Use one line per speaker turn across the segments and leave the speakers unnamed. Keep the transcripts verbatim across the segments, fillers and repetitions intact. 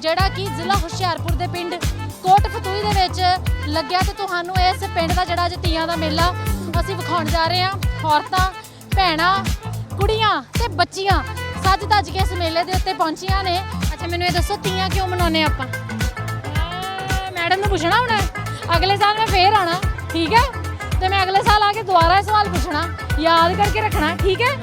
ਜਿਹੜਾ ਕਿ ਜ਼ਿਲ੍ਹਾ ਹੁਸ਼ਿਆਰਪੁਰ ਦੇ ਪਿੰਡ ਕੋਟ ਫਤੂਹੀ ਦੇ ਵਿੱਚ ਲੱਗਿਆ ਤੇ ਤੁਹਾਨੂੰ ਇਸ ਪਿੰਡ ਦਾ ਜਿਹੜਾ ਅੱਜ ਤੀਆਂ ਦਾ ਮੇਲਾ ਅਸੀਂ ਵਿਖਾਉਣ ਜਾ ਰਹੇ ਹਾਂ। ਔਰਤਾਂ, ਭੈਣਾਂ, ਕੁੜੀਆਂ ਤੇ ਬੱਚੀਆਂ ਸੱਜ ਧੱਜ ਕੇ ਇਸ ਮੇਲੇ ਦੇ ਉੱਤੇ ਪਹੁੰਚੀਆਂ ਨੇ। ਅੱਛਾ ਮੈਨੂੰ ਇਹ ਦੱਸੋ ਤੀਆਂ ਕਿਉਂ ਮਨਾਉਂਦੇ ਆਪਾਂ? ਮੈਡਮ ਨੂੰ ਪੁੱਛਣਾ ਹੁਣ, ਅਗਲੇ ਸਾਲ ਮੈਂ ਫੇਰ ਆਣਾ, ਠੀਕ ਹੈ? ਤੇ ਮੈਂ ਅਗਲੇ ਸਾਲ ਆ ਕੇ ਦੁਬਾਰਾ ਇਹ ਸਵਾਲ ਪੁੱਛਣਾ, ਯਾਦ ਕਰਕੇ ਰੱਖਣਾ, ਠੀਕ ਹੈ?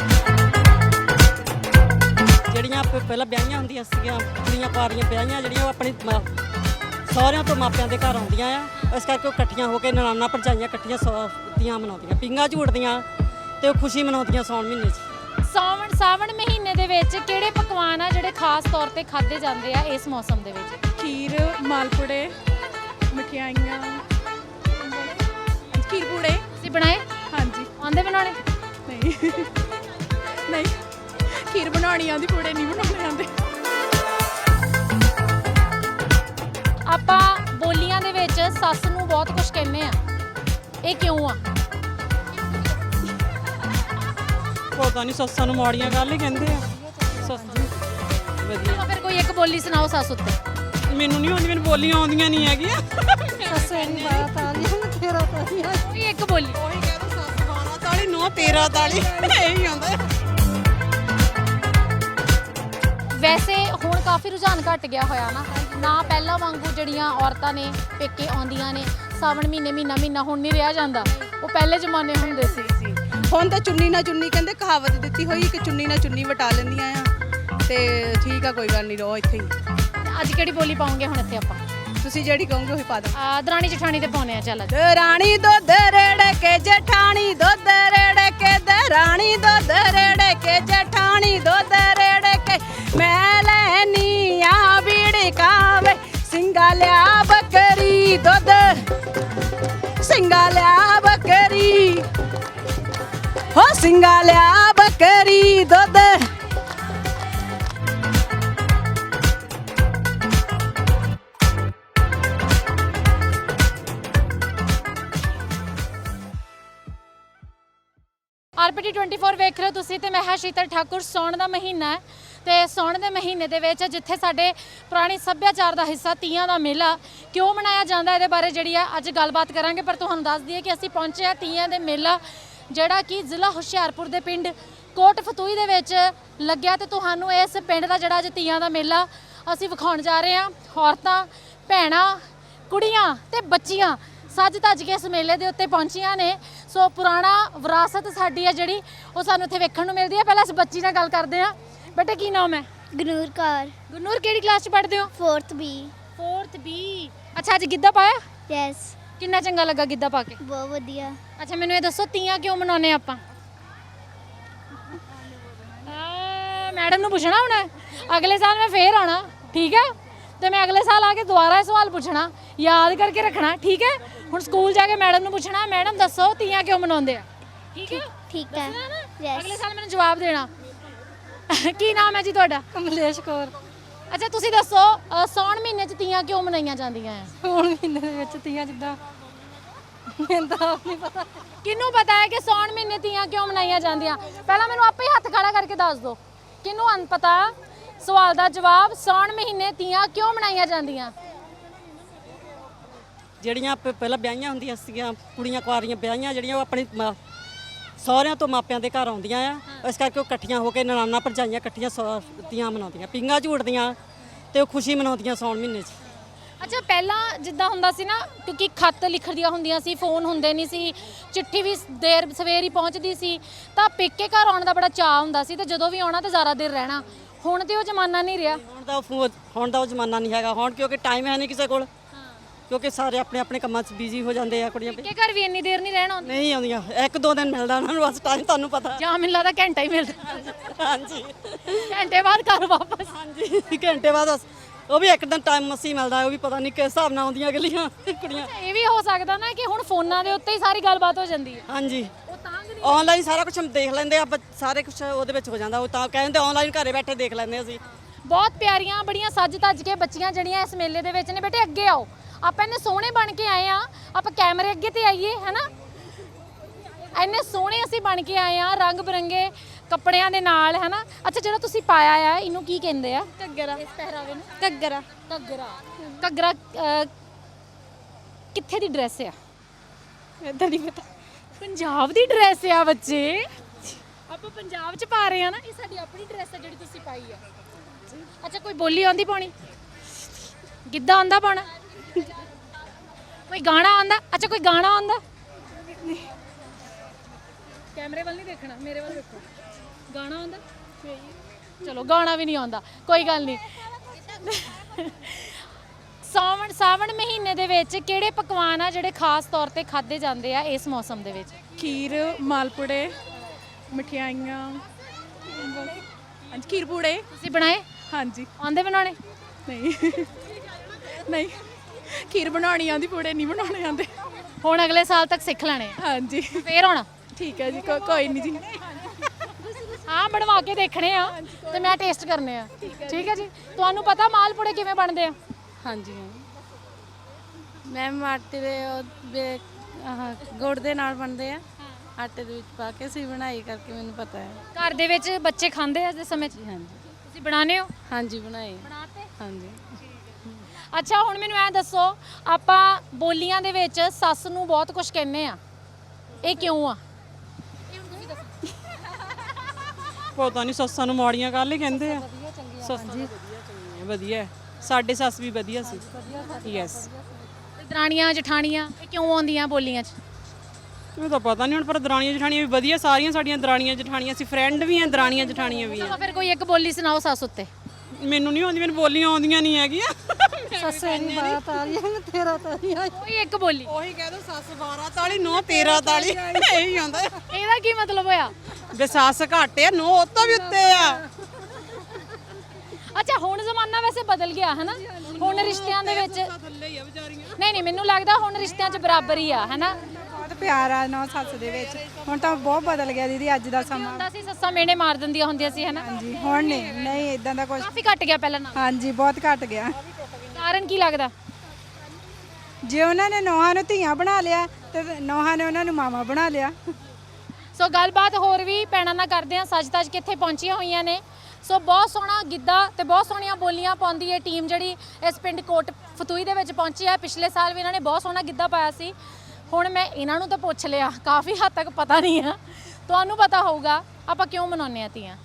ਜਿਹੜੀਆਂ ਪਹਿਲਾਂ ਵਿਆਹੀਆਂ ਹੁੰਦੀਆਂ ਸੀਗੀਆਂ ਕੁੜੀਆਂ ਕੁਆਰੀਆਂ ਵਿਆਹੀਆਂ ਜਿਹੜੀਆਂ ਉਹ ਆਪਣੀ ਸਹੁਰਿਆਂ ਤੋਂ ਮਾਪਿਆਂ ਦੇ ਘਰ ਆਉਂਦੀਆਂ ਆ, ਇਸ ਕਰਕੇ ਉਹ ਇਕੱਠੀਆਂ ਹੋ ਕੇ ਨਨਾਣਾ ਭਰਜਾਈਆਂ ਇਕੱਠੀਆਂ ਤੀਆਂ ਮਨਾਉਂਦੀਆਂ, ਪੀਂਘਾਂ ਝੂਟਦੀਆਂ ਤੇ ਉਹ ਖੁਸ਼ੀ ਮਨਾਉਂਦੀਆਂ ਸਾਉਣ ਮਹੀਨੇ 'ਚ।
ਸਾਵਣ ਸਾਵਣ ਮਹੀਨੇ ਦੇ ਵਿੱਚ ਕਿਹੜੇ ਪਕਵਾਨ ਆ ਜਿਹੜੇ ਖਾਸ ਤੌਰ ਤੇ ਖਾਦੇ ਜਾਂਦੇ ਆ ਇਸ ਮੌਸਮ ਦੇ ਵਿੱਚ?
ਖੀਰ, ਮਾਲਪੂੜੇ, ਮਠਿਆਈਆਂ, ਖੀਰ ਪੂੜੇ।
ਤੁਸੀਂ ਬਣਾਏ?
ਹਾਂਜੀ।
ਆਉਂਦੇ ਬਣਾਉਣੇ?
ਨਹੀਂ ਨਹੀਂ ਖੀਰ ਬਣਾਉਣੀ ਆਉਂਦੀ, ਪੂੜੇ ਨਹੀਂ ਬਣਾਉਣੇ ਆਉਂਦੇ।
ਆਪਾਂ ਬੋਲੀਆਂ ਦੇ ਵਿੱਚ ਸੱਸ ਨੂੰ ਬਹੁਤ ਕੁਝ ਕਹਿੰਦੇ ਆ, ਇਹ ਕਿਉਂ ਆ?
ਪਤਾ ਨਹੀਂ, ਸੱਸਾਂ ਨੂੰ ਮਾੜੀਆਂ ਗੱਲ ਹੀ ਕਹਿੰਦੇ ਆ। ਸੱਸਾਂ ਵਧੀਆ।
ਫਿਰ ਕੋਈ ਇੱਕ ਬੋਲੀ ਸੁਣਾਓ ਸੱਸ ਉੱਤੇ।
ਮੈਨੂੰ ਨਹੀਂ ਆਉਂਦੀ, ਮੈਨੂੰ ਬੋਲੀਆਂ ਆਉਂਦੀਆਂ ਨਹੀਂ ਹੈਗੀਆਂ।
ਸੱਸੇ ਨੂੰ ਬਾਤ ਆ ਨਹੀਂ ਹੁਣ ਤੇਰਾ ਤਾਲੀਆਂ
ਕੋਈ ਇੱਕ ਬੋਲੀ।
ਉਹੀ ਕਹਿ ਦੋ, ਸੱਸ ਬਾਣਾ ਤਾਲੀ ਨੋ ਤੇਰਾ ਤਾਲੀ, ਇਹੀ ਆਉਂਦਾ।
ਵੈਸੇ ਹੁਣ ਕਾਫੀ ਰੁਝਾਨ ਘਟ ਗਿਆ ਹੋਇਆ ਨਾ ਨਾ ਪਹਿਲਾਂ ਵਾਂਗੂ ਜਿਹੜੀਆਂ ਔਰਤਾਂ ਨੇ ਪੇਕੇ ਆਉਂਦੀਆਂ ਨੇ ਸਾਵਣ ਮਹੀਨੇ ਮਹੀਨਾ ਮਹੀਨਾ ਹੁਣ ਨਹੀਂ ਰਿਹਾ ਜਾਂਦਾ, ਉਹ ਪਹਿਲੇ ਜ਼ਮਾਨੇ ਹੁੰਦੇ ਸੀ।
ਹੁਣ ਤਾਂ ਚੁੰਨੀ ਨਾ ਚੁੰਨੀ ਕਹਿੰਦੇ ਕਹਾਵਤ ਦਿੱਤੀ ਹੋਈ ਕਿ ਚੁੰਨੀ ਨਾ ਚੁੰਨੀ ਵਟਾ ਲੈਂਦੀਆਂ ਆ, ਤੇ ਠੀਕ ਆ ਕੋਈ ਗੱਲ ਨਹੀਂ, ਰਹੋ ਇੱਥੇ ਹੀ।
ਅੱਜ ਕਿਹੜੀ ਬੋਲੀ ਪਾਉਂਗੇ ਹੁਣ ਇੱਥੇ ਆਪਾਂ?
ਤੁਸੀਂ ਜਿਹੜੀ ਕਹੋਗੇ ਉਹੀ ਪਾ ਦੋ।
ਆ ਦਰਾਣੀ ਜਠਾਣੀ ਤੇ ਪਾਉਣੇ ਆ। ਚੱਲ
ਦਰਾਣੀ ਦੁੱਧ ਰੇੜ ਕੇ ਜਠਾਣੀ ਦੁੱਧ ਰੇੜ ਕੇ, ਦਰਾਣੀ ਦੁੱਧ ਰੇੜ ਕੇ ਜਠਾਣੀ ਦੁੱਧ ਰੇੜ ਕੇ, ਮੈਂ ਲੈਨੀ ਆ ਬੀੜਕਾ ਵੇ ਸਿੰਘਾ ਲਿਆ ਬੱਕਰੀ ਦੁੱਧ, ਸਿੰਘਾ ਲਿਆ ਬੱਕਰੀ, ਹੋ ਸਿੰਘਾ ਲਿਆ ਬੱਕਰੀ ਦੁੱਧ।
ਆਰਪੀਟੀ ਟਵੈਂਟੀ ਫੋਰ ਵੇਖ ਰਹੇ ਹੋ ਤੁਸੀਂ ਤੇ ਮੈਂ ਹਾਂ ਸ਼ੀਤਲ ਠਾਕੁਰ। ਸੌਣ ਦਾ ਮਹੀਨਾ ਹੈ ਤੇ ਸੌਣ ਦੇ ਮਹੀਨੇ ਦੇ ਵਿੱਚ ਜਿੱਥੇ ਸਾਡੇ ਪੁਰਾਣੀ ਸੱਭਿਆਚਾਰ ਦਾ ਹਿੱਸਾ ਤੀਆਂ ਦਾ ਮੇਲਾ ਕਿਉਂ ਮਨਾਇਆ ਜਾਂਦਾ ਇਹਦੇ ਬਾਰੇ ਜਿਹੜੀ ਆ ਅੱਜ ਗੱਲਬਾਤ ਕਰਾਂਗੇ। ਪਰ ਤੁਹਾਨੂੰ ਦੱਸ ਦਈਏ ਕਿ ਅਸੀਂ ਪਹੁੰਚੇ ਆ ਤੀਆਂ ਦੇ ਮੇਲਾ ਜਿਹੜਾ ਕਿ ਜ਼ਿਲ੍ਹਾ ਹੁਸ਼ਿਆਰਪੁਰ ਦੇ ਪਿੰਡ ਕੋਟ ਫਤੂਹੀ ਦੇ ਵਿੱਚ ਲੱਗਿਆ ਤੇ ਤੁਹਾਨੂੰ ਇਸ ਪਿੰਡ ਦਾ ਜਿਹੜਾ ਅੱਜ ਤੀਆਂ ਦਾ ਮੇਲਾ ਅਸੀਂ ਵਿਖਾਉਣ ਜਾ ਰਹੇ ਹਾਂ। ਔਰਤਾਂ, ਭੈਣਾਂ, ਕੁੜੀਆਂ ਤੇ ਬੱਚੀਆਂ ਸੱਜ ਧੱਜ ਕੇ ਇਸ ਮੇਲੇ ਦੇ ਉੱਤੇ ਪਹੁੰਚੀਆਂ ਨੇ। ਸੋ ਪੁਰਾਣਾ ਵਿਰਾਸਤ ਸਾਡੀ ਹੈ ਜਿਹੜੀ ਉਹ ਸਾਨੂੰ ਇੱਥੇ ਵੇਖਣ ਨੂੰ ਮਿਲਦੀ ਹੈ। ਪਹਿਲਾਂ ਇਸ ਬੱਚੀ ਨਾਲ ਗੱਲ ਕਰਦੇ ਹਾਂ। ਬੇਟਾ ਕੀ ਨਾਮ ਹੈ?
ਗਨੂਰ ਕੌਰ।
ਗੁਰਨੂਰ ਕਿਹੜੀ ਕਲਾਸ 'ਚ ਪੜ੍ਹਦੇ ਹੋ?
Fourth B.
Fourth B. ਅੱਛਾ ਅੱਜ ਗਿੱਧਾ ਪਾਇਆ?
ਯੈਸ।
ਕਿੰਨਾ ਚੰਗਾ ਲੱਗਾ ਗਿੱਧਾ ਪਾ ਕੇ?
ਬਹੁਤ ਵਧੀਆ।
ਅੱਛਾ ਮੈਨੂੰ ਇਹ ਦੱਸੋ ਤੀਆਂ ਕਿਉਂ ਮਨਾਉਂਦੇ ਆਪਾਂ? ਮੈਡਮ ਨੂੰ ਪੁੱਛਣਾ ਹੁਣ, ਅਗਲੇ ਸਾਲ ਮੈਂ ਫੇਰ ਆਣਾ, ਠੀਕ ਹੈ? ਤੇ ਮੈਂ ਅਗਲੇ ਸਾਲ ਆ ਕੇ ਦੁਬਾਰਾ ਇਹ ਸਵਾਲ ਪੁੱਛਣਾ, ਯਾਦ ਕਰਕੇ ਰੱਖਣਾ, ਠੀਕ ਹੈ? ਹੁਣ ਸਕੂਲ ਜਾ ਕੇ ਮੈਡਮ ਨੂੰ ਪੁੱਛਣਾ, ਮੈਡਮ ਦੱਸੋ ਤੀਆਂ ਕਿਉਂ ਮਨਾਉਂਦੇ ਆ? ਠੀਕ ਹੈ?
ਠੀਕ ਹੈ।
ਅਗਲੇ ਸਾਲ ਮੈਨੂੰ ਜਵਾਬ ਦੇਣਾ। ਕੀ ਨਾਮ ਹੈ ਜੀ ਤੁਹਾਡਾ?
ਕਮਲੇਸ਼ ਕੌਰ।
ਅੱਛਾ ਤੁਸੀਂ ਦੱਸੋ ਸੌਣ ਮਹੀਨੇ 'ਚ ਤੀਆਂ ਕਿਉਂ ਮਨਾਈਆਂ ਜਾਂਦੀਆਂ ਆ?
ਸੌਣ ਮਹੀਨੇ ਦੇ ਵਿੱਚ ਤੀਆਂ ਜਿੱਦਾਂ ਮੈਨੂੰ ਤਾਂ ਆਪ ਨਹੀਂ ਪਤਾ।
ਕਿਹਨੂੰ ਪਤਾ ਹੈ ਕਿ ਸੌਣ ਮਹੀਨੇ ਤੀਆਂ ਕਿਉਂ ਮਨਾਈਆਂ ਜਾਂਦੀਆਂ? ਪਹਿਲਾਂ ਮੈਨੂੰ ਆਪੇ ਹੀ ਹੱਥ ਖੜਾ ਕਰਕੇ ਦੱਸ ਦਿਓ, ਕਿਹਨੂੰ ਅਨਪਤਾ? ਸਵਾਲ ਦਾ ਜਵਾਬ, ਸੌਣ ਮਹੀਨੇ ਤੀਆਂ ਕਿਉਂ ਮਨਾਈਆਂ ਜਾਂਦੀਆਂ?
ਜਿਹੜੀਆਂ ਪਹਿਲਾਂ ਵਿਆਹੀਆਂ ਹੁੰਦੀਆਂ ਸੀਗੀਆਂ ਕੁੜੀਆਂ ਕੁਆਰੀਆਂ ਵਿਆਹੀਆਂ ਜਿਹੜੀਆਂ ਉਹ ਆਪਣੀ ਸਹੁਰਿਆਂ ਤੋਂ ਮਾਪਿਆਂ ਦੇ ਘਰ ਆਉਂਦੀਆਂ ਆ, ਇਸ ਕਰਕੇ ਉਹ ਇਕੱਠੀਆਂ ਹੋ ਕੇ ਨਨਾਣਾ ਭਰਜਾਈਆਂ ਇਕੱਠੀਆਂ ਤੀਆਂ ਮਨਾਉਂਦੀਆਂ, ਪੀਂਘਾਂ ਝੂਟਦੀਆਂ ਤੇ ਉਹ ਖੁਸ਼ੀ ਮਨਾਉਂਦੀਆਂ ਸਾਉਣ ਮਹੀਨੇ 'ਚ।
ਅੱਛਾ ਪਹਿਲਾਂ ਜਿੱਦਾਂ ਹੁੰਦਾ ਸੀ ਨਾ, ਕਿਉਂਕਿ ਖੱਤ ਲਿਖਦੀਆਂ ਹੁੰਦੀਆਂ ਸੀ, ਫੋਨ ਹੁੰਦੇ ਨਹੀਂ ਸੀ, ਚਿੱਠੀ ਵੀ ਦੇਰ ਸਵੇਰ ਹੀ ਪਹੁੰਚਦੀ ਸੀ, ਤਾਂ ਪੇਕੇ ਘਰ ਆਉਣ ਦਾ ਬੜਾ ਚਾਅ ਹੁੰਦਾ ਸੀ ਤੇ ਜਦੋਂ ਵੀ ਆਉਣਾ ਤਾਂ ਜ਼ਿਆਦਾ ਦੇਰ ਰਹਿਣਾ। ਹੁਣ ਤੇ ਉਹ ਜ਼ਮਾਨਾ ਨਹੀਂ ਰਿਹਾ।
ਹੁਣ ਦਾ ਉਹ ਹੁਣ ਦਾ ਉਹ ਜ਼ਮਾਨਾ ਨਹੀਂ ਹੈਗਾ ਹੁਣ, ਕਿਉਂਕਿ ਟਾਈਮ ਹੈ ਨਹੀਂ ਕਿਸੇ ਕੋਲ, ਕਿਉਂਕਿ ਸਾਰੇ ਆਪਣੇ ਆਪਣੇ ਕੰਮਾਂ 'ਚ ਬਿਜ਼ੀ ਹੋ ਜਾਂਦੇ ਆ। ਕੁੜੀਆਂ
ਪੇਕੇ ਘਰ ਵੀ ਇੰਨੀ ਦੇਰ ਨਹੀਂ ਰਹਿਣਾ ਹੁੰਦਾ।
ਨਹੀਂ ਆਉਂਦੀਆਂ, ਇੱਕ ਦੋ ਦਿਨ ਮਿਲਦਾ ਉਹਨਾਂ ਨੂੰ ਬਸ ਟਾਈਮ, ਤੁਹਾਨੂੰ ਪਤਾ।
ਜਾਂ ਮੈਨੂੰ ਲੱਗਦਾ ਘੰਟਾ ਹੀ ਮਿਲਦਾ।
ਹਾਂਜੀ
ਘੰਟੇ ਬਾਅਦ ਘਰ ਵਾਪਸ।
ਹਾਂਜੀ ਘੰਟੇ ਬਾਅਦ ਬਸ, ਉਹ ਵੀ ਇੱਕ ਦਿਨ ਟਾਈਮ ਮਸੀ ਮਿਲਦਾ, ਉਹ ਵੀ ਪਤਾ ਨਹੀਂ ਕਿਸ ਹਿਸਾਬ ਨਾਲ ਆਉਂਦੀਆਂ ਅਗਲੀਆਂ ਕੁੜੀਆਂ।
ਇਹ ਵੀ ਹੋ ਸਕਦਾ ਨਾ ਕਿ ਹੁਣ ਫੋਨਾਂ ਦੇ ਉੱਤੇ ਹੀ ਸਾਰੀ ਗੱਲਬਾਤ ਹੋ ਜਾਂਦੀ ਹੈ।
ਹਾਂਜੀ ਆਨਲਾਈਨ ਸਾਰਾ ਕੁਝ ਦੇਖ ਲੈਂਦੇ ਆ, ਸਾਰੇ ਕੁਝ ਉਹਦੇ ਵਿੱਚ ਹੋ ਜਾਂਦਾ। ਉਹ ਤਾਂ ਕਹਿੰਦੇ ਆਨਲਾਈਨ ਘਰੇ ਬੈਠੇ ਦੇਖ ਲੈਂਦੇ ਅਸੀਂ।
ਬਹੁਤ ਪਿਆਰੀਆਂ ਬੜੀਆਂ ਸੱਜ ਧੱਜ ਕੇ ਬੱਚੀਆਂ ਜਿਹੜੀਆਂ ਇਸ ਮੇਲੇ ਦੇ ਵਿੱਚ ਨੇ। ਬੇਟੇ ਅੱਗੇ ਆਓ, ਆਪਾਂ ਇੰਨੇ ਸੋਹਣੇ ਬਣ ਕੇ ਆਏ ਆ, ਆਪਾਂ ਕੈਮਰੇ ਅੱਗੇ ਤੇ ਆਈਏ, ਹੈ ਨਾ? ਇੰਨੇ ਸੋਹਣੇ ਅਸੀਂ ਬਣ ਕੇ ਆਏ ਆ, ਰੰਗ ਬਿਰੰਗੇ ਕੱਪੜਿਆਂ ਦੇ ਨਾਲ ਹੈ ਨਾ। ਅੱਛਾ ਜਿਹੜਾ ਤੁਸੀਂ ਪਾਇਆ ਆ ਇਹਨੂੰ ਕੀ ਕਹਿੰਦੇ ਆ?
ਘੱਗਰਾ
ਇਸ ਪਹਿਰਾਵੇ ਨੂੰ
ਘੱਗਰਾ
ਘੱਗਰਾ। ਘੱਗਰਾ ਅਹ, ਕਿੱਥੇ ਦੀ ਡਰੈਸ ਆ?
ਇਦਾਂ ਨਹੀਂ ਪਤਾ।
ਪੰਜਾਬ ਦੀ ਡਰੈਸ ਆ ਬੱਚੇ, ਆਪਾਂ ਪੰਜਾਬ 'ਚ ਪਾ ਰਹੇ ਆ ਨਾ। ਇਹ ਸਾਡੀ ਆਪਣੀ ਡਰੈਸ ਆ ਜਿਹੜੀ ਤੁਸੀਂ ਪਾਈ ਆ। ਅੱਛਾ ਕੋਈ ਬੋਲੀ ਆਉਂਦੀ ਪਾਉਣੀ? ਗਿੱਧਾ ਆਉਂਦਾ ਪਾਉਣਾ? ਕੋਈ ਗਾਣਾ ਆਉਂਦਾ? ਅੱਛਾ ਕੋਈ ਗਾਣਾ ਆਉਂਦਾ? ਕੈਮਰੇ ਵੱਲ ਨਹੀਂ ਦੇਖਣਾ, ਮੇਰੇ ਵੱਲ ਦੇਖੋ। ਗਾਣਾ ਆਉਂਦਾ? ਚਲੋ ਗਾਣਾ ਵੀ ਨਹੀਂ ਆਉਂਦਾ, ਕੋਈ ਗੱਲ ਨਹੀਂ। ਸਾਵਣ ਸਾਵਣ ਮਹੀਨੇ ਦੇ ਵਿੱਚ ਕਿਹੜੇ ਪਕਵਾਨ ਆ ਜਿਹੜੇ ਖਾਸ ਤੌਰ ਤੇ ਖਾਦੇ ਜਾਂਦੇ ਆ ਇਸ ਮੌਸਮ ਦੇ ਵਿੱਚ?
ਖੀਰ, ਮਾਲਪੂੜੇ, ਮਠਿਆਈਆਂ, ਹਾਂਜੀ ਖੀਰ ਪੂੜੇ।
ਤੁਸੀਂ ਬਣਾਏ?
ਹਾਂਜੀ।
ਆਉਂਦੇ ਬਣਾਉਣੇ?
ਨਹੀਂ ਨਹੀਂ ਖੀਰ ਬਣਾਉਣੀ ਆਉਂਦੀ, ਪੂੜੇ ਨਹੀਂ ਬਣਾਉਣੇ ਆਉਂਦੇ।
ਹੁਣ ਅਗਲੇ ਸਾਲ ਤੱਕ ਸਿੱਖ ਲੈਣੇ ਆ
ਹਾਂਜੀ
ਫੇਰ ਹੁਣ?
ਠੀਕ ਹੈ ਜੀ, ਕੋ- ਕੋਈ ਨਹੀਂ ਜੀ।
ਹਾਂ ਬਣਵਾ ਕੇ ਦੇਖਣੇ ਆ ਤੇ ਮੈਂ ਟੇਸਟ ਕਰਨੇ ਆ। ਠੀਕ ਹੈ ਜੀ। ਤੁਹਾਨੂੰ ਪਤਾ ਮਾਲਪੂੜੇ ਕਿਵੇਂ ਬਣਦੇ ਆ?
ਹਾਂਜੀ ਮੈਮ ਆਟੇ ਦੇ ਉਹ ਬੇ- ਆਹ ਗੁੜ ਦੇ ਨਾਲ ਬਣਦੇ ਆ, ਆਟੇ ਦੇ ਵਿੱਚ ਪਾ ਕੇ ਅਸੀਂ ਬਣਾਈ ਕਰਕੇ ਮੈਨੂੰ ਪਤਾ ਹੈ।
ਘਰ ਦੇ ਵਿੱਚ ਬੱਚੇ ਖਾਂਦੇ ਆ ਇਸ ਸਮੇਂ 'ਚ?
ਹਾਂਜੀ
ਤੁਸੀਂ ਬਣਾਉਂਦੇ ਹੋ?
ਹਾਂਜੀ ਬਣਾਈ।
ਬਣਾਤੇ?
ਹਾਂਜੀ।
ਅੱਛਾ ਹੁਣ ਮੈਨੂੰ ਐ ਦੱਸੋ, ਆਪਾਂ ਬੋਲੀਆਂ ਦੇ ਵਿੱਚ ਸੱਸ ਨੂੰ ਬਹੁਤ ਕੁਝ ਕਹਿੰਦੇ ਆ, ਇਹ ਕਿਉਂ ਆ?
ਪਤਾ ਨਹੀਂ ਸੱਸਾਂ ਨੂੰ ਮਾੜੀਆਂ ਗੱਲ ਹੀ ਕਹਿੰਦੇ ਆ। ਸੱਸਾਂ ਜੀ ਵਧੀਆ ਹੈ। ਸਾਡੇ ਸੱਸ ਵੀ ਵਧੀਆ ਸੀ। ਯੈਸ।
ਤੇ ਦਰਾਣੀਆਂ ਜਠਾਣੀਆਂ ਇਹ ਕਿਉਂ ਆਉਂਦੀਆਂ ਬੋਲੀਆਂ 'ਚ?
ਮੈਨੂੰ ਤਾਂ ਪਤਾ ਨਹੀਂ ਹੁਣ, ਪਰ ਦਰਾਣੀਆਂ ਜਠਾਣੀਆਂ ਵੀ ਵਧੀਆ, ਸਾਰੀਆਂ ਸਾਡੀਆਂ ਦਰਾਣੀਆਂ ਜਠਾਣੀਆਂ ਸੀ, ਫਰੈਂਡ ਵੀ ਆ, ਦਰਾਣੀਆਂ ਜਠਾਣੀਆਂ ਵੀ ਆ।
ਚਲੋ ਫਿਰ ਕੋਈ ਇੱਕ ਬੋਲੀ ਸੁਣਾਓ ਸੱਸ ਉੱਤੇ।
ਮੈਨੂੰ ਨਹੀਂ ਆਉਂਦੀ, ਮੈਨੂੰ ਬੋਲੀਆਂ ਆਉਂਦੀਆਂ ਨਹੀਂ ਹੈਗੀਆਂ।
ਸੱਸੇ ਦੀ ਬਾਰਾਂ ਤਾਲੀਆਂ ਤੇਰਾ ਤਾਲੀਆਂ।
ਕੋਈ ਇੱਕ ਬੋਲੀ।
ਉਹੀ ਕਹਿ ਦੋ, ਸੱਸ ਬਾਰਾਂ ਤਾਲੀ, ਨੌ ਤੇਰਾਂ ਤਾਲੀ, ਇਹੀ ਆਉਂਦਾ।
ਇਹਦਾ ਕੀ ਮਤਲਬ ਹੋਇਆ?
ਵੀ ਸੱਸ ਘੱਟ ਆ, ਨੌ ਉਹ ਤੋਂ ਵੀ ਉੱਤੇ ਆ।
ਅੱਛਾ ਹੁਣ ਜ਼ਮਾਨਾ ਵੈਸੇ ਬਦਲ ਗਿਆ ਹੈ ਨਾ, ਹੁਣ ਰਿਸ਼ਤਿਆਂ ਦੇ ਵਿੱਚ
ਥੱਲੇ ਹੀ ਆ ਵਿਚਾਰੀਆਂ।
ਨਹੀਂ ਨਹੀਂ ਮੈਨੂੰ ਲੱਗਦਾ ਹੁਣ ਰਿਸ਼ਤਿਆਂ 'ਚ ਬਰਾਬਰ ਹੀ ਆ ਹੈ ਨਾ।
ਬਹੁਤ ਪਿਆਰ ਆ ਨੌ ਸੱਸ ਦੇ ਵਿੱਚ। ਹੁਣ ਤਾਂ ਬਹੁਤ ਬਦਲ ਗਿਆ ਦੀਦੀ, ਅੱਜ ਦਾ ਸਮਾਂ।
ਹੁੰਦਾ ਸੀ ਸੱਸਾਂ ਮੇਨੇ ਮਾਰ ਦਿੰਦੀਆਂ ਹੁੰਦੀਆਂ ਸੀ ਹੈ ਨਾ,
ਹਾਂਜੀ ਹੁਣ ਨਹੀਂ ਨਹੀਂ ਇਦਾਂ ਦਾ ਕੁਝ।
ਕਾਫੀ ਘਟ ਗਿਆ ਪਹਿਲਾਂ ਨਾਲੋਂ।
ਹਾਂਜੀ ਬਹੁਤ ਘਟ ਗਿਆ।
ਕਾਰਨ ਕੀ ਲੱਗਦਾ?
ਜੇ ਉਹਨਾਂ ਨੇ ਨੌਹਾਂ ਨੂੰ ਧੀਆਂ ਬਣਾ ਲਿਆ ਤੇ ਨੌਹਾਂ ਨੇ ਉਹਨਾਂ ਨੂੰ ਮਾਮਾ ਬਣਾ ਲਿਆ।
ਸੋ ਗੱਲਬਾਤ ਹੋਰ ਵੀ ਭੈਣਾਂ ਨਾਲ ਕਰਦੇ ਆ, ਸੱਜ ਤੱਜ ਕਿੱਥੇ ਪਹੁੰਚੀਆਂ ਹੋਈਆਂ ਨੇ। ਸੋ ਬਹੁਤ ਸੋਹਣਾ ਗਿੱਧਾ ਤੇ ਬਹੁਤ ਸੋਹਣੀਆਂ ਬੋਲੀਆਂ ਪਾਉਂਦੀ ਹੈ ਟੀਮ ਜਿਹੜੀ ਇਸ ਪਿੰਡ ਕੋਟ ਫਤੂਈ ਦੇ ਵਿੱਚ ਪਹੁੰਚੀ ਹੈ। ਪਿਛਲੇ ਸਾਲ ਵੀ ਇਹਨਾਂ ਨੇ ਬਹੁਤ ਸੋਹਣਾ ਗਿੱਧਾ ਪਾਇਆ ਸੀ। ਹੁਣ ਮੈਂ ਇਹਨਾਂ ਨੂੰ ਤਾਂ ਪੁੱਛ ਲਿਆ, ਕਾਫੀ ਹੱਦ ਤੱਕ ਪਤਾ ਨਹੀਂ ਆ, ਤੁਹਾਨੂੰ ਪਤਾ ਹੋਊਗਾ ਆਪਾਂ ਕਿਉਂ ਮਨਾਉਂਦੇ ਆ ਤੀਆਂ?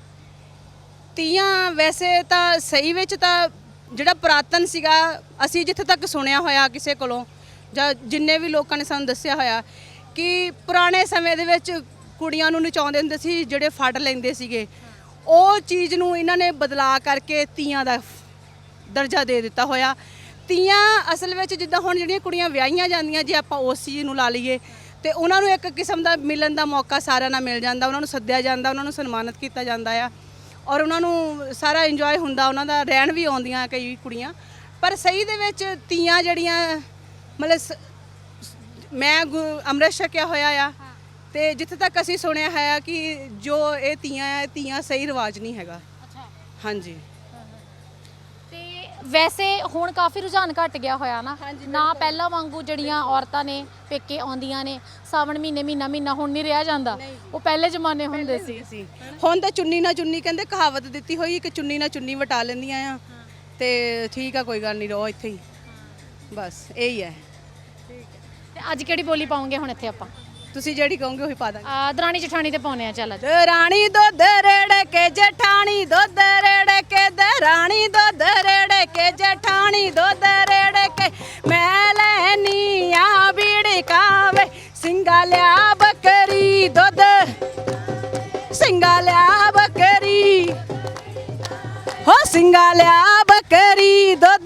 ਤੀਆਂ ਵੈਸੇ ਤਾਂ ਸਹੀ ਵਿੱਚ ਤਾਂ ਜਿਹੜਾ ਪੁਰਾਤਨ ਸੀਗਾ, ਅਸੀਂ ਜਿੱਥੇ ਤੱਕ ਸੁਣਿਆ ਹੋਇਆ ਕਿਸੇ ਕੋਲੋਂ ਜਾਂ ਜਿੰਨੇ ਵੀ ਲੋਕਾਂ ਨੇ ਸਾਨੂੰ ਦੱਸਿਆ ਹੋਇਆ ਕਿ ਪੁਰਾਣੇ ਸਮੇਂ ਦੇ ਵਿੱਚ ਕੁੜੀਆਂ ਨੂੰ ਨਚਾਉਂਦੇ ਹੁੰਦੇ ਸੀ, ਜਿਹੜੇ ਫੜ ਲੈਂਦੇ ਸੀਗੇ। ਉਹ ਚੀਜ਼ ਨੂੰ ਇਹਨਾਂ ਨੇ ਬਦਲਾ ਕਰਕੇ ਤੀਆਂ ਦਾ ਦਰਜਾ ਦੇ ਦਿੱਤਾ ਹੋਇਆ। ਤੀਆਂ ਅਸਲ ਵਿੱਚ ਜਿੱਦਾਂ ਹੁਣ ਜਿਹੜੀਆਂ ਕੁੜੀਆਂ ਵਿਆਹੀਆਂ ਜਾਂਦੀਆਂ, ਜੇ ਆਪਾਂ ਉਸ ਚੀਜ਼ ਨੂੰ ਲਾ ਲਈਏ ਤੇ ਉਹਨਾਂ ਨੂੰ ਇੱਕ ਕਿਸਮ ਦਾ ਮਿਲਣ ਦਾ ਮੌਕਾ ਸਾਰਿਆਂ ਨਾਲ ਮਿਲ ਜਾਂਦਾ, ਉਹਨਾਂ ਨੂੰ ਸੱਦਿਆ ਜਾਂਦਾ, ਉਹਨਾਂ ਨੂੰ ਸਨਮਾਨਿਤ ਕੀਤਾ ਜਾਂਦਾ ਆ ਔਰ ਉਹਨਾਂ ਨੂੰ ਸਾਰਾ ਇੰਜੋਏ ਹੁੰਦਾ, ਉਹਨਾਂ ਦਾ ਰਹਿਣ ਵੀ ਆਉਂਦੀਆਂ ਕਈ ਕੁੜੀਆਂ। ਪਰ ਸਹੀ ਦੇ ਵਿੱਚ ਤੀਆਂ ਜਿਹੜੀਆਂ ਮਤਲਬ ਸ- ਮੈਂ ਗੁ- ਅੰਮ੍ਰਿਤ ਛਕਿਆ ਹੋਇਆ ਆ ਤੇ ਜਿੱਥੇ ਤੱਕ ਅਸੀਂ ਸੁਣਿਆ ਹੈ ਕਿ ਜੋ ਇਹ ਤੀਆਂ ਆ, ਤੀਆਂ ਸਹੀ ਰਿਵਾਜ ਨਹੀਂ ਹੈਗਾ।
ਅੱਛਾ।
ਹਾਂਜੀ।
ਤੇ ਵੈਸੇ ਹੁਣ ਕਾਫੀ ਰੁਝਾਨ ਘਟ ਗਿਆ ਹੋਇਆ ਨਾ, ਨਾ ਪਹਿਲਾਂ ਵਾਂਗੂ ਜਿਹੜੀਆਂ ਔਰਤਾਂ ਨੇ ਪੇਕੇ ਆਉਂਦੀਆਂ ਨੇ ਸਾਵਣ ਮਹੀਨੇ ਮਹੀਨਾ ਮਹੀਨਾ ਹੁਣ ਨਹੀਂ ਰਿਹਾ ਜਾਂਦਾ, ਉਹ ਪਹਿਲੇ ਜ਼ਮਾਨੇ ਹੁੰਦੇ ਸੀ।
ਸੀ ਹੁਣ ਤਾਂ ਚੁੰਨੀ ਨਾ ਚੁੰਨੀ ਕਹਿੰਦੇ ਕਹਾਵਤ ਦਿੱਤੀ ਹੋਈ ਕਿ ਚੁੰਨੀ ਨਾ ਚੁੰਨੀ ਵਟਾ ਲੈਂਦੀਆਂ ਆ ਤੇ ਠੀਕ ਆ, ਕੋਈ ਗੱਲ ਨਹੀਂ, ਰਹੋ ਇੱਥੇ ਹੀ, ਬਸ ਇਹੀ ਹੈ।
ਤੇ ਅੱਜ ਕਿਹੜੀ ਬੋਲੀ ਪਾਉਂਗੇ ਹੁਣ ਇੱਥੇ ਆਪਾਂ?
ਤੁਸੀਂ ਜਿਹੜੀ ਕਹੋਗੇ ਉਹੀ ਪਾ ਦਾਂਗੇ।
ਆ ਦਰਾਣੀ ਜਠਾਣੀ ਤੇ ਪਾਉਨੇ ਆ, ਚੱਲ ਅੱਜ।
ਰਾਣੀ ਦੁੱਧ ਰੇੜ ਕੇ ਜਠਾਣੀ ਦੁੱਧ ਰੇੜ ਕੇ ਦਰਾਣੀ ਦੁੱਧ ਰੇੜ ਕੇ ਜਠਾਣੀ ਦੁੱਧ ਰੇੜ ਕੇ ਮੈਂ ਲੈਨੀ ਆ ਬੀੜੀ ਕਾਵੇ ਸਿੰਘਾ ਲਿਆ ਬੱਕਰੀ ਦੁੱਧ ਸਿੰਘਾ ਲਿਆ ਬੱਕਰੀ ਹੋ ਸਿੰਘਾ ਲਿਆ ਬੱਕਰੀ ਦੁੱਧ।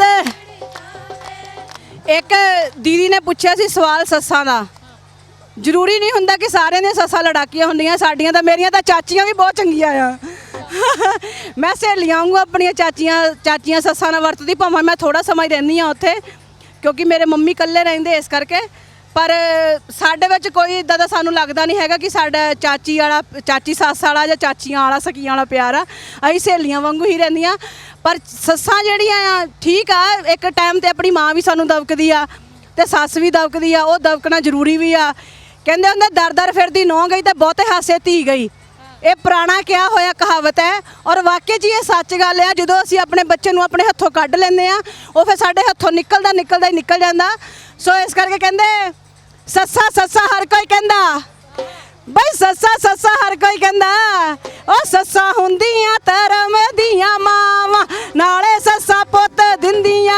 ਇੱਕ ਦੀਦੀ ਨੇ ਪੁੱਛਿਆ ਸੀ ਸਵਾਲ ਸੱਸਾਂ ਦਾ। ਜ਼ਰੂਰੀ ਨਹੀਂ ਹੁੰਦਾ ਕਿ ਸਾਰਿਆਂ ਦੀਆਂ ਸੱਸਾਂ ਲੜਾਕੀਆਂ ਹੁੰਦੀਆਂ, ਸਾਡੀਆਂ ਤਾਂ ਮੇਰੀਆਂ ਤਾਂ ਚਾਚੀਆਂ ਵੀ ਬਹੁਤ ਚੰਗੀਆਂ ਆ। ਮੈਂ ਸਹੇਲੀਆਂ ਵਾਂਗੂ ਆਪਣੀਆਂ ਚਾਚੀਆਂ ਚਾਚੀਆਂ ਸੱਸਾਂ ਨਾਲ ਵਰਤਦੀ, ਭਾਵੇਂ ਮੈਂ ਥੋੜਾ ਸਮਾਂ ਹੀ ਰਹਿੰਦੀ ਆ ਉੱਥੇ ਕਿਉਂਕਿ ਮੇਰੇ ਮੰਮੀ ਇਕੱਲੇ ਰਹਿੰਦੇ ਇਸ ਕਰਕੇ। ਪਰ ਸਾਡੇ ਵਿੱਚ ਕੋਈ ਇੱਦਾਂ ਦਾ ਸਾਨੂੰ ਲੱਗਦਾ ਨਹੀਂ ਹੈਗਾ ਕਿ ਸਾਡਾ ਚਾਚੀ ਵਾਲਾ ਚਾਚੀ ਸੱਸ ਵਾਲਾ ਜਾਂ ਚਾਚੀਆਂ ਵਾਲਾ ਸਕੀਆਂ ਵਾਲਾ ਪਿਆਰ ਆ। ਅਸੀਂ ਸਹੇਲੀਆਂ ਵਾਂਗੂ ਹੀ ਰਹਿੰਦੀਆਂ। ਪਰ ਸੱਸਾਂ ਜਿਹੜੀਆਂ ਆ ਠੀਕ ਆ, ਇੱਕ ਟਾਈਮ ਤੇ ਆਪਣੀ ਮਾਂ ਵੀ ਸਾਨੂੰ ਦਬਕਦੀ ਆ ਤੇ ਸੱਸ ਵੀ ਦਬਕਦੀ ਆ, ਉਹ ਦਬਕਣਾ ਜ਼ਰੂਰੀ ਵੀ ਆ। ਕਹਿੰਦੇ ਹੁੰਦੇ ਦਰ ਦਰ ਫਿਰਦੀ ਨੌ ਗਈ ਤੇ ਬਹੁਤੇ ਹਾਸੇ ਧੀ ਗਈ। ਇਹ ਪੁਰਾਣਾ ਕਿਹਾ ਹੋਇਆ ਕਹਾਵਤ ਹੈ ਔਰ ਵਾਕਈ ਜੀ ਇਹ ਸੱਚ ਗੱਲ ਆ। ਜਦੋਂ ਅਸੀਂ ਆਪਣੇ ਬੱਚੇ ਨੂੰ ਆਪਣੇ ਹੱਥੋਂ ਕੱਢ ਲੈਂਦੇ ਆ ਉਹ ਫਿਰ ਸਾਡੇ ਹੱਥੋਂ ਨਿਕਲਦਾ ਨਿਕਲਦਾ ਹੀ ਨਿਕਲ ਜਾਂਦਾ। ਸੋ ਇਸ ਕਰਕੇ ਕਹਿੰਦੇ ਸੱਸਾ ਸੱਸਾ ਹਰ ਕੋਈ ਕਹਿੰਦਾ, ਬਈ ਸੱਸਾ ਸੱਸਾ ਹਰ ਕੋਈ ਕਹਿੰਦਾ, ਉਹ ਸੱਸਾਂ ਹੁੰਦੀਆਂ ਧਰਮ ਦੀਆਂ ਮਾਵਾਂ, ਨਾਲੇ ਸੱਸਾਂ ਪੁੱਤ ਦਿੰਦੀਆਂ,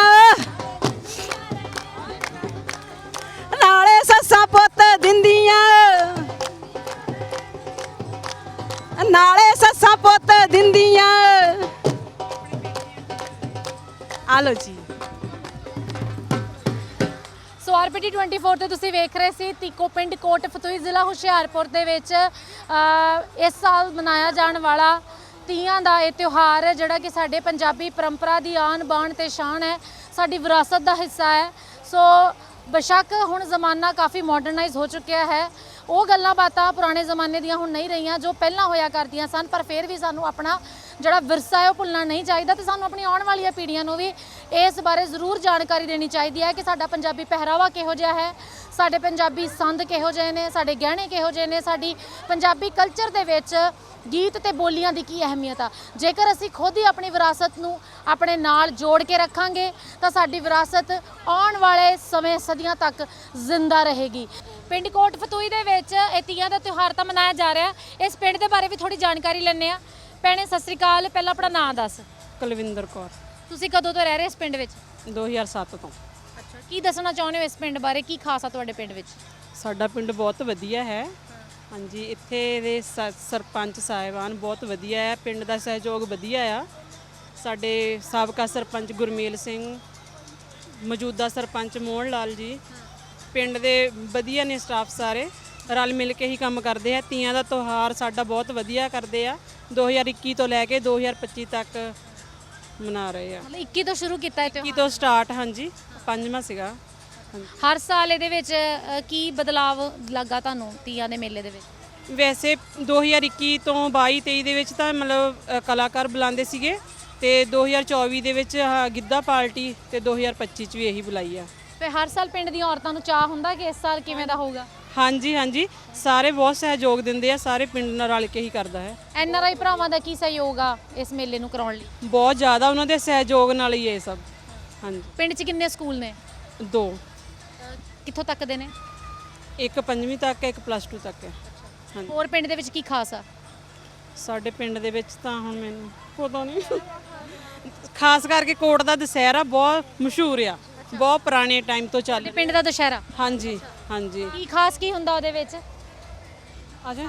ਨਾਲੇ ਸੱਸਾਂ ਪੁੱਤ ਦਿੰਦੀਆਂ, ਨਾਲੇ ਸੱਸਾਂ ਪੁੱਤ ਦਿੰਦੀਆਂ। ਆ ਲੋ ਜੀ।
ਸੋ ਆਰਪੀਟੀ ਚੌਬੀ ਤੇ ਤੁਸੀਂ ਵੇਖ ਰਹੇ ਸੀ ਤੀਕੋ ਪਿੰਡ ਕੋਟ ਫਤੂਹੀ ਜ਼ਿਲ੍ਹਾ ਹੁਸ਼ਿਆਰਪੁਰ ਦੇ ਵਿੱਚ ਅ, ਇਸ ਸਾਲ ਮਨਾਇਆ ਜਾਣ ਵਾਲਾ ਤੀਆਂ ਦਾ ਇਹ ਤਿਉਹਾਰ ਹੈ ਜਿਹੜਾ ਕਿ ਸਾਡੇ ਪੰਜਾਬੀ ਪਰੰਪਰਾ ਦੀ ਆਨ ਬਾਣ ਤੇ ਸ਼ਾਨ ਹੈ, ਸਾਡੀ ਵਿਰਾਸਤ ਦਾ ਹਿੱਸਾ ਹੈ। ਸੋ ਬੇਸ਼ੱਕ ਹੁਣ ਜ਼ਮਾਨਾ ਕਾਫੀ ਮਾਡਰਨਾਈਜ਼ ਹੋ ਚੁੱਕਿਆ ਹੈ, ਉਹ ਗੱਲਾਂ ਬਾਤਾਂ ਪੁਰਾਣੇ ਜ਼ਮਾਨੇ ਦੀਆਂ ਹੁਣ ਨਹੀਂ ਰਹੀਆਂ ਜੋ ਪਹਿਲਾਂ ਹੋਇਆ ਕਰਦੀਆਂ ਸਨ, ਪਰ ਫਿਰ ਵੀ ਸਾਨੂੰ ਆਪਣਾ ਜਿਹੜਾ ਵਿਰਸਾ ਹੈ ਉਹ ਭੁੱਲਣਾ ਨਹੀਂ ਚਾਹੀਦਾ ਤੇ ਸਾਨੂੰ ਆਪਣੀ ਆਉਣ ਵਾਲੀਆਂ ਪੀੜ੍ਹੀਆਂ ਨੂੰ ਵੀ ਇਸ ਬਾਰੇ ਜ਼ਰੂਰ ਜਾਣਕਾਰੀ ਦੇਣੀ ਚਾਹੀਦੀ ਹੈ ਕਿ ਸਾਡਾ ਪੰਜਾਬੀ ਪਹਿਰਾਵਾ ਕਿਹੋ ਜਿਹਾ ਹੈ, ਸਾਡੇ ਪੰਜਾਬੀ ਸੰਦ ਕਿਹੋ ਜਿਹੇ ਨੇ, ਸਾਡੇ ਗਹਿਣੇ ਕਿਹੋ ਜਿਹੇ ਨੇ, ਸਾਡੀ ਪੰਜਾਬੀ ਕਲਚਰ ਦੇ ਵਿੱਚ ਗੀਤ ਤੇ ਬੋਲੀਆਂ ਦੀ ਕੀ ਅਹਿਮੀਅਤ ਆ। ਜੇਕਰ ਅਸੀਂ ਖੁਦ ਹੀ ਆਪਣੀ ਵਿਰਾਸਤ ਨੂੰ ਆਪਣੇ ਨਾਲ ਜੋੜ ਕੇ ਰੱਖਾਂਗੇ ਤਾਂ ਸਾਡੀ ਵਿਰਾਸਤ ਆਉਣ ਵਾਲੇ ਸਮੇਂ ਸਦੀਆਂ ਤੱਕ ਜ਼ਿੰਦਾ ਰਹੇਗੀ। ਪਿੰਡ ਕੋਟ ਫਤੂਹੀ ਦੇ ਵਿੱਚ ਇਹ ਤੀਆਂ ਦਾ ਤਿਉਹਾਰ ਤਾਂ ਮਨਾਇਆ ਜਾ ਰਿਹਾ, ਇਸ ਪਿੰਡ ਦੇ ਬਾਰੇ ਵੀ ਥੋੜੀ ਜਾਣਕਾਰੀ ਲੈਂਦੇ ਆ। ਭੈਣੇ ਸਤਿ ਸ੍ਰੀ ਅਕਾਲ, ਪਹਿਲਾਂ ਆਪਣਾ ਨਾਂ ਦੱਸ।
ਕੁਲਵਿੰਦਰ ਕੌਰ,
ਤੁਸੀਂ ਕਦੋਂ ਤੋਂ ਰਹਿ ਰਹੇ ਇਸ ਪਿੰਡ ਵਿੱਚ?
ਦੋ ਹਜ਼ਾਰ ਸੱਤ ਤੋਂ।
ਅੱਛਾ, ਕੀ ਦੱਸਣਾ ਚਾਹੁੰਦੇ ਹੋ ਇਸ ਪਿੰਡ ਬਾਰੇ, ਕੀ ਖਾਸ ਆ ਤੁਹਾਡੇ ਪਿੰਡ ਵਿੱਚ?
ਸਾਡਾ ਪਿੰਡ ਬਹੁਤ ਵਧੀਆ ਹੈ। ਹਾਂਜੀ, ਇੱਥੇ ਦੇ ਸ- ਸਰਪੰਚ ਸਾਹਿਬਾਨ ਬਹੁਤ ਵਧੀਆ ਹੈ, ਪਿੰਡ ਦਾ ਸਹਿਯੋਗ ਵਧੀਆ ਆ। ਸਾਡੇ ਸਾਬਕਾ ਸਰਪੰਚ ਗੁਰਮੇਲ ਸਿੰਘ, ਮੌਜੂਦਾ ਸਰਪੰਚ ਮੋਹਨ ਲਾਲ ਜੀ, ਪਿੰਡ ਦੇ ਵਧੀਆ ਨੇ ਸਟਾਫ, ਸਾਰੇ ਰਲ ਮਿਲ ਕੇ ਹੀ ਕੰਮ ਕਰਦੇ ਆ। ਤੀਆਂ ਦਾ ਤਿਉਹਾਰ ਸਾਡਾ ਬਹੁਤ ਵਧੀਆ ਕਰਦੇ ਆ, ਦੋ ਹਜ਼ਾਰ ਇੱਕੀ ਤੋਂ ਲੈ ਕੇ ਦੋ ਹਜ਼ਾਰ ਪੱਚੀ ਤੱਕ ਮਨਾ ਰਹੇ ਆ।
ਮਤਲਬ ਇੱਕੀ ਤੋਂ ਸ਼ੁਰੂ ਕੀਤਾ ਹੈ
ਇੱਕੀ
ਤਿਉਹਾਰ?
ਤੋਂ ਸਟਾਰਟ, ਹਾਂਜੀ ਪੰਜਵਾਂ ਸੀਗਾ। ਹਾਂਜੀ।
ਹਰ ਸਾਲ ਇਹਦੇ ਵਿੱਚ ਅ, ਕੀ ਬਦਲਾਵ ਲੱਗਾ ਤੁਹਾਨੂੰ ਤੀਆਂ ਦੇ ਮੇਲੇ ਦੇ ਵਿੱਚ?
ਵੈਸੇ ਦੋ ਹਜ਼ਾਰ ਇੱਕੀ ਤੋਂ ਬਾਈ ਤੇਈ ਦੇ ਵਿੱਚ ਤਾਂ ਮਤਲਬ ਅ, ਕਲਾਕਾਰ ਬੁਲਾਉਂਦੇ ਸੀਗੇ ਤੇ ਦੋ ਹਜ਼ਾਰ ਚੌਵੀ ਦੇ ਵਿੱਚ ਆਹ ਗਿੱਧਾ ਪਾਰਟੀ ਤੇ ਦੋ ਹਜ਼ਾਰ ਪੱਚੀ ਚ ਵੀ ਇਹੀ ਬੁਲਾਈ ਆ।
ਤੇ ਹਰ ਸਾਲ ਪਿੰਡ ਦੀਆਂ ਔਰਤਾਂ ਨੂੰ ਚਾਹ ਹੁੰਦਾ ਕਿ ਇਸ ਸਾਲ ਕਿਵੇਂ ਦਾ ਹੋਊਗਾ?
ਹਾਂਜੀ ਹਾਂਜੀ, ਸਾਰੇ ਬਹੁਤ ਸਹਿਯੋਗ ਦਿੰਦੇ ਆ, ਸਾਰੇ ਪਿੰਡ ਨਾਲ ਰਲ ਕੇ ਹੀ ਕਰਦਾ ਹੈ।
ਐਨ ਆਰ ਆਈ ਭਰਾਵਾਂ ਦਾ ਕੀ ਸਹਿਯੋਗ ਆ ਇਸ ਮੇਲੇ ਨੂੰ ਕਰਾਉਣ ਲਈ?
ਬਹੁਤ ਜ਼ਿਆਦਾ ਉਹਨਾਂ ਦੇ ਸਹਿਯੋਗ ਨਾਲ ਹੀ ਇਹ ਸਭ। ਹਾਂਜੀ,
ਪਿੰਡ 'ਚ ਕਿੰਨੇ ਸਕੂਲ ਨੇ?
ਦੋ,
ਕਿੱਥੋਂ ਤੱਕ ਦੇ ਨੇ?
ਇੱਕ ਪੰਜਵੀਂ ਤੱਕ ਹੈ, ਇੱਕ ਪਲੱਸ ਟੂ ਤੱਕ ਹੈ। ਹਾਂਜੀ,
ਹੋਰ ਪਿੰਡ ਦੇ ਵਿੱਚ ਕੀ ਖਾਸ ਆ?
ਸਾਡੇ ਪਿੰਡ ਦੇ ਵਿੱਚ ਤਾਂ ਹੁਣ ਮੈਨੂੰ ਪਤਾ ਨਹੀਂ, ਖਾਸ ਕਰਕੇ ਕੋਟ ਦਾ ਦੁਸਹਿਰਾ ਬਹੁਤ ਮਸ਼ਹੂਰ ਆ, ਬਹੁਤ ਪੁਰਾਣੇ ਟਾਈਮ ਤੋਂ ਚੱਲ
ਤੇ ਪਿੰਡ ਦਾ ਦੁਸ਼ਹਿਰਾ
ਹਾਂਜੀ ਹਾਂਜੀ।
ਕੀ ਖਾਸ ਕੀ ਹੁੰਦਾ ਉਹਦੇ ਵਿੱਚ?
ਆ ਜਾ।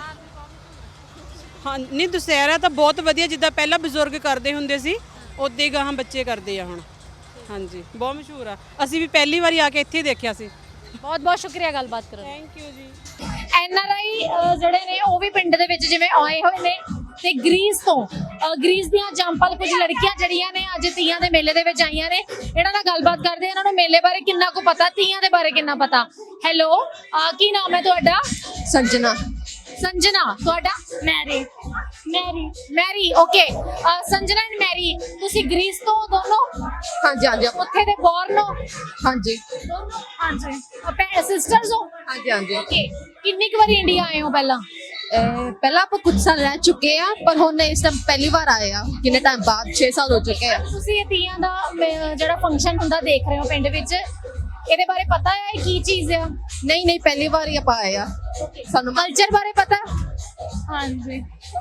ਹਾਂ ਨਹੀਂ, ਦੁਸਹਿਰਾ ਤਾਂ ਬਹੁਤ ਵਧੀਆ, ਜਿੱਦਾਂ ਪਹਿਲਾਂ ਬਜ਼ੁਰਗ ਕਰਦੇ ਹੁੰਦੇ ਸੀ ਉਦਾਂ ਹੀ ਗਾਹਾਂ ਬੱਚੇ ਕਰਦੇ ਆ ਹੁਣ। ਹਾਂਜੀ, ਬਹੁਤ ਮਸ਼ਹੂਰ ਆ, ਅਸੀਂ ਵੀ ਪਹਿਲੀ ਵਾਰੀ ਆ ਕੇ ਇੱਥੇ ਹੀ ਦੇਖਿਆ ਸੀ।
ਬਹੁਤ ਬਹੁਤ ਸ਼ੁਕਰੀਆ ਗੱਲਬਾਤ ਕਰਨ ਲਈ।
ਥੈਂਕ ਯੂ ਜੀ।
ਐਨ ਆਰ ਆਈ ਜਿਹੜੇ ਨੇ ਉਹ ਵੀ ਪਿੰਡ ਦੇ ਵਿੱਚ ਜਿਵੇਂ ਆਏ ਹੋਏ ਨੇ ਤੇ ਗ੍ਰੀਸ ਤੋਂ ਅ, ਗ੍ਰੀਸ ਦੀਆਂ ਜੰਪਲ ਕੁਝ ਲੜਕੀਆਂ ਜਿਹੜੀਆਂ ਨੇ ਅੱਜ ਤੀਆਂ ਦੇ ਮੇਲੇ ਦੇ ਵਿੱਚ ਆਈਆਂ ਨੇ, ਇਹਨਾਂ ਨਾਲ ਗੱਲਬਾਤ ਕਰਦੇ ਆ, ਇਹਨਾਂ ਨੂੰ ਮੇਲੇ ਬਾਰੇ ਕਿੰਨਾ ਕੁ ਪਤਾ, ਤੀਆਂ ਦੇ ਬਾਰੇ ਕਿੰਨਾ ਪਤਾ। ਹੈਲੋ, ਕੀ ਨਾਮ ਹੈ ਤੁਹਾਡਾ?
ਸੰਜਨਾ।
ਸੰਜਨਾ, ਤੁਹਾਡਾ? Mary. Mary Mary okay. Sanjana and Mary, ਤੁਸੀਂ ਗ੍ਰੀਸ ਤੋਂ ਦੋਨੋਂ?
ਹਾਂਜੀ ਹਾਂਜੀ
ਉੱਥੇ ਦੇ ਬੋਰਨ ਹੋ?
ਹਾਂਜੀ
ਦੋਨੋਂ? ਹਾਂਜੀ। ਭੈਣ ਸਿਸਟਰਸ ਹੋ?
ਹਾਂਜੀ ਹਾਂਜੀ।
ਓਕੇ, ਕਿੰਨੀ ਕੁ ਵਾਰੀ ਇੰਡੀਆ ਆਏ ਹੋ ਪਹਿਲਾਂ?
ਅਹ ਪਹਿਲਾਂ ਆਪਾਂ ਕੁਝ ਸਾਲ ਰਹਿ ਚੁੱਕੇ ਆ, ਪਰ ਹੁਣ ਇਸ ਟਾਈਮ ਪਹਿਲੀ ਵਾਰ ਆਏ ਆ, ਕਿੰਨੇ ਟਾਈਮ ਬਾਅਦ, ਛੇ ਸਾਲ ਹੋ ਚੁੱਕੇ ਆ।
ਤੁਸੀਂ ਇਹ ਤੀਆਂ ਦਾ ਮ- ਜਿਹੜਾ ਫੰਕਸ਼ਨ ਹੁੰਦਾ ਦੇਖ ਰਹੇ ਹੋ ਪਿੰਡ ਵਿੱਚ, ਇਹਦੇ ਬਾਰੇ ਪਤਾ ਹੈ ਇਹ ਕੀ ਚੀਜ਼ ਹੈ?
ਨਹੀਂ ਨਹੀਂ, ਪਹਿਲੀ ਵਾਰ ਹੀ ਆਪਾਂ ਆਏ ਆ, ਸਾਨੂੰ
ਕਲਚਰ ਬਾਰੇ ਪਤਾ? ਹਾਂਜੀ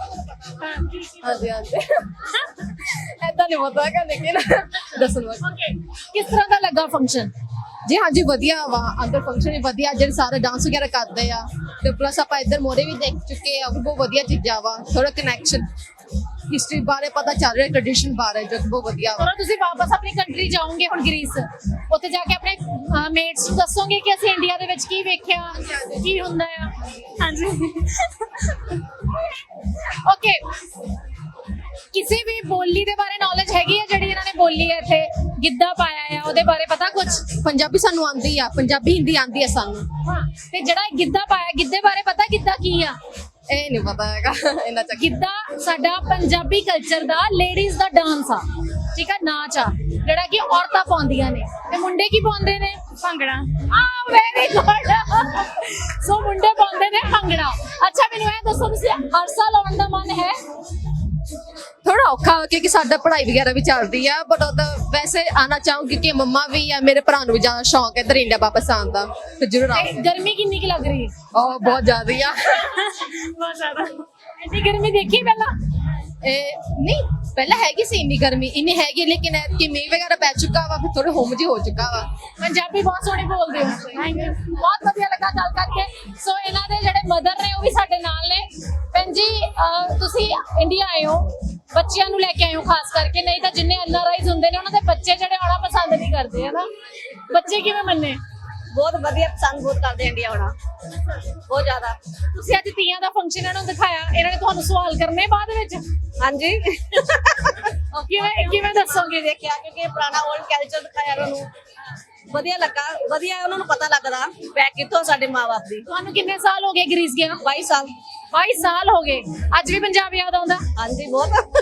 ਹਾਂਜੀ ਹਾਂਜੀ ਐਦਾਂ ਨਹੀਂ ਪਤਾ ਕਿ ਲੇਕਿਨ ਦੱਸਣ ਵਾਲਾ।
ਓਕੇ, ਕਿਸ ਤਰ੍ਹਾਂ ਦਾ ਲੱਗਾ ਫੰਕਸ਼ਨ?
ਜੀ ਹਾਂਜੀ, ਵਧੀਆ ਵਾ, ਅੰਦਰ ਫੰਕਸ਼ਨ ਵੀ ਵਧੀਆ, ਜਿਹੜੇ ਸਾਰੇ ਡਾਂਸ ਵਗੈਰਾ ਕਰਦੇ ਆ, ਤੇ ਪਲੱਸ ਆਪਾਂ ਇੱਧਰ ਮੋਰੇ ਵੀ ਦੇਖ ਚੁੱਕੇ ਆ, ਉਹ ਵੀ ਬਹੁਤ ਵਧੀਆ ਚੀਜ਼ਾਂ ਵਾ, ਥੋੜਾ ਕਨੈਕਸ਼ਨ ਹਿਸਟਰੀ ਬਾਰੇ ਪਤਾ ਚੱਲ ਰਿਹਾ, ਟ੍ਰੈਡੀਸ਼ਨ ਬਾਰੇ, ਜੋ ਕਿ ਬਹੁਤ ਵਧੀਆ ਵਾ।
ਜਦੋਂ ਤੁਸੀਂ ਵਾਪਸ ਆਪਣੀ ਕੰਟਰੀ ਜਾਓਗੇ ਹੁਣ ਗ੍ਰੀਸ, ਉੱਥੇ ਜਾ ਕੇ ਆਪਣੇ ਮੇਟਸ ਨੂੰ ਦੱਸੋਗੇ ਕਿ ਅਸੀਂ ਇੰਡੀਆ ਦੇ ਵਿੱਚ ਕੀ ਵੇਖਿਆ, ਕੀ ਹੁੰਦਾ ਆ? ਹਾਂਜੀ। ਓਕੇ, ਕਿਸੇ ਵੀ ਬੋਲੀ ਦੇ ਬਾਰੇ ਨੌਲੇਜ ਹੈਗੀ ਹੈ ਜਿਹੜੀ ਇਹਨਾਂ ਨੇ ਬੋਲੀ ਹੈ ਇੱਥੇ, ਗਿੱਧਾ ਪਾਇਆ ਆ, ਉਹਦੇ ਬਾਰੇ ਪਤਾ ਕੁਝ?
ਪੰਜਾਬੀ ਸਾਨੂੰ ਆਉਂਦੀ ਆ, ਪੰਜਾਬੀ ਹਿੰਦੀ ਆਉਂਦੀ ਆ ਸਾਨੂੰ।
ਹਾਂ, ਤੇ ਜਿਹੜਾ ਇਹ ਗਿੱਧਾ ਪਾਇਆ, ਗਿੱਧੇ ਬਾਰੇ ਪਤਾ ਗਿੱਧਾ ਕੀ ਆ?
ਇਹ ਨਹੀਂ ਪਤਾ ਹੈਗਾ ਇਹਨਾਂ ਚੱਕ।
ਗਿੱਧਾ ਸਾਡਾ ਪੰਜਾਬੀ ਕਲਚਰ ਦਾ ਲੇਡੀਜ਼ ਦਾ ਡਾਂਸ ਆ। ਠੀਕ ਆ ਨਾਚ ਆ ਜਿਹੜਾ ਕਿ ਔਰਤਾਂ ਪਾਉਂਦੀਆਂ ਨੇ ਤੇ ਮੁੰਡੇ ਕੀ ਪਾਉਂਦੇ ਨੇ ਭੰਗੜਾ ਆ ਵੈਰੀ ਗੁੱਡ ਸੋ ਮੁੰਡੇ ਪਾਉਂਦੇ ਨੇ ਭੰਗੜਾ ਅੱਛਾ ਮੈਨੂੰ ਇਹ ਦੱਸੋ ਤੁਸੀਂ ਹਰ ਸਾਲ ਆਉਣ ਦਾ ਮਨ ਹੈ
ਥੋੜਾ ਔਖਾ ਕਿਉਂਕਿ ਸਾਡਾ ਪੜ੍ਹਾਈ ਵਗੈਰਾ ਵੀ ਚੱਲਦੀ ਆ ਬਟ ਉਹਦਾ ਵੈਸੇ ਆਣਾ ਚਾਹੂੰਗੀ ਕਿ ਮੰਮਾ ਵੀ ਆ ਮੇਰੇ ਭਰਾ ਨੂੰ ਵੀ ਜ਼ਿਆਦਾ ਸ਼ੌਂਕ ਹੈ ਇੱਧਰ ਇੰਡੀਆ ਵਾਪਸ ਆਉਣ ਦਾ ਤੇ ਜ਼ਰੂਰ ਆਓ
ਤੇ ਗਰਮੀ ਕਿੰਨੀ ਕੀ ਲੱਗ ਰਹੀ ਹੈ
ਉਹ ਬਹੁਤ ਜ਼ਿਆਦਾ ਆ
ਬਹੁਤ ਜ਼ਿਆਦਾ ਐਡੀ ਗਰਮੀ ਦੇਖੀ ਪਹਿਲਾਂ
ਇਹ ਨਹੀਂ ਪਹਿਲਾਂ ਹੈਗੀ ਸੀ ਇੰਨੀ ਗਰਮੀ ਇੰਨੀ ਹੈਗੀ ਲੇਕਿਨ ਕਿ ਮੀਂਹ ਵਗੈਰਾ ਪੈ ਚੁੱਕਾ ਵਾ ਫਿਰ ਥੋੜਾ ਹੋਮ ਜੀ ਹੋ ਚੁੱਕਾ ਵਾ
ਪੰਜਾਬੀ ਬਹੁਤ ਸੋਹਣੀ ਬੋਲਦੇ ਹੋ ਥੈਂਕ ਯੂ ਬਹੁਤ ਵਧੀਆ ਲੱਗਾ ਗੱਲ ਕਰਕੇ ਸੋ ਇਹਨਾਂ ਦੇ ਜਿਹੜੇ ਮਦਰ ਨੇ ਉਹ ਵੀ ਸਾਡੇ ਨਾਲ ਨੇ ਭੈਣ ਜੀ ਅਹ, ਤੁਸੀਂ ਇੰਡੀਆ ਆਏ ਹੋ ਬੱਚਿਆਂ ਨੂੰ ਲੈ ਕੇ ਆਏ ਹੋ ਖਾਸ ਕਰਕੇ ਨਹੀਂ ਤਾਂ ਜਿੰਨੇ ਐਨ ਆਰ ਆਈਜ਼ ਹੁੰਦੇ ਨੇ ਉਹਨਾਂ ਦੇ ਬੱਚੇ ਜਿਹੜੇ ਆਉਣਾ ਪਸੰਦ ਨਹੀਂ ਕਰਦੇ ਹਨਾ ਬੱਚੇ ਕਿਵੇਂ ਮੰਨੇ
ਬਹੁਤ ਵਧੀਆ ਪਸੰਦ ਬਹੁਤ ਕਰਦੇ ਇੰਡੀਆ ਆਉਣਾ ਬਹੁਤ ਜ਼ਿਆਦਾ
ਤੁਸੀਂ ਅੱਜ ਤੀਆਂ ਦਾ ਫੰਕਸ਼ਨ ਇਹਨਾਂ ਨੂੰ ਦਿਖਾਇਆ ਇਹਨਾਂ ਨੇ ਤੁਹਾਨੂੰ ਸਵਾਲ ਕਰਨੇ ਬਾਅਦ ਵਿੱਚ
ਹਾਂਜੀ
ਕਿਵੇਂ ਕਿਵੇਂ ਦੱਸੋਗੇ
ਦੇਖਿਆ ਕਿਉਂਕਿ ਪੁਰਾਣਾ 올ਡ ਕਲਚਰ ਦਿਖਾਇਆ ਉਹਨਾਂ ਨੂੰ ਵਧੀਆ ਲੱਗਾ ਵਧੀਆ ਉਹਨਾਂ ਨੂੰ ਪਤਾ ਲੱਗਦਾ ਬੈਕ ਕਿੱਥੋਂ ਸਾਡੇ ਮਾਂ-ਬਾਪ ਦੀ
ਤੁਹਾਨੂੰ ਕਿੰਨੇ ਸਾਲ ਹੋ ਗਏ ਗ੍ਰੀਸ ਗਿਆ
ਬਾਈ ਸਾਲ
ਬਾਈ ਸਾਲ ਹੋ ਗਏ ਅੱਜ ਵੀ ਪੰਜਾਬ ਯਾਦ ਆਉਂਦਾ
ਹਾਂਜੀ ਬਹੁਤ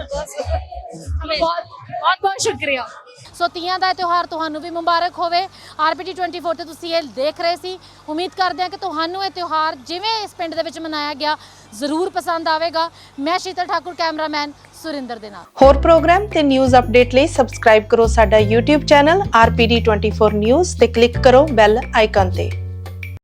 ਬਹੁਤ ਬਹੁਤ ਬਹੁਤ ਸ਼ੁਕਰੀਆ ਸੋ ਤੀਆਂ ਦਾ ਤਿਉਹਾਰ ਤੁਹਾਨੂੰ ਵੀ ਮੁਬਾਰਕ ਹੋਵੇ ਆਰਪੀਟੀ ਚੌਵੀ ਤੇ ਤੁਸੀਂ ਇਹ ਦੇਖ ਰਹੇ ਸੀ ਉਮੀਦ ਕਰਦੇ ਹਾਂ ਕਿ ਤੁਹਾਨੂੰ ਇਹ ਤਿਉਹਾਰ ਜਿਵੇਂ ਇਸ ਪਿੰਡ ਦੇ ਵਿੱਚ ਮਨਾਇਆ ਗਿਆ ਜ਼ਰੂਰ ਪਸੰਦ ਆਵੇਗਾ ਮੈਂ ਸ਼ੀਤਲ ਠਾਕੁਰ ਕੈਮਰਾਮੈਨ ਸੁਰਿੰਦਰ ਦੇ ਨਾਲ
ਹੋਰ ਪ੍ਰੋਗਰਾਮ ਤੇ ਨਿਊਜ਼ ਅਪਡੇਟ ਲਈ ਸਬਸਕ੍ਰਾਈਬ ਕਰੋ ਸਾਡਾ YouTube channel R P D twenty four news ਤੇ ਕਲਿੱਕ ਕਰੋ ਬੈਲ ਆਈਕਨ ਤੇ।